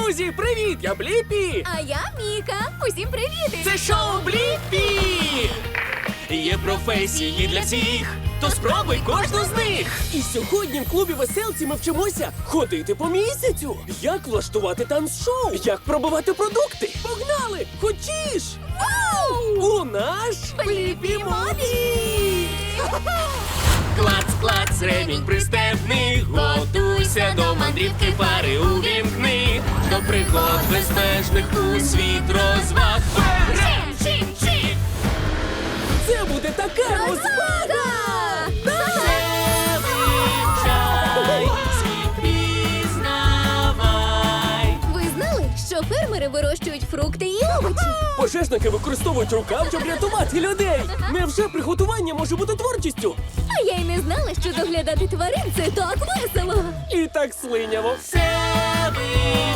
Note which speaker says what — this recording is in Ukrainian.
Speaker 1: Друзі, привіт! Я Бліпі!
Speaker 2: А я Міка. Усім привіт!
Speaker 1: Це шоу Бліпі! Є професії для всіх, то спробуй кожну з них! І сьогодні в клубі веселці ми вчимося ходити по місяцю, як влаштувати танцшоу, як пробивати продукти. Погнали! Хочеш? У наш
Speaker 2: Бліпі Мобі!
Speaker 1: Клац, клац, ремінь пристебни, готуйся до мандрівки, пари увімкни, до пригод безмежних у світ розваг. Чим-чим-чим! Це буде така розвага! Це вивчай, світ пізнавай.
Speaker 2: Ви знали, що фермери вирощують фрукти і овочі?
Speaker 1: Пожежники використовують рукав, щоб рятувати людей. Невже приготування може бути творчістю?
Speaker 2: А я й не знала, що доглядати тварин – це так весело.
Speaker 1: І так слиняво. Це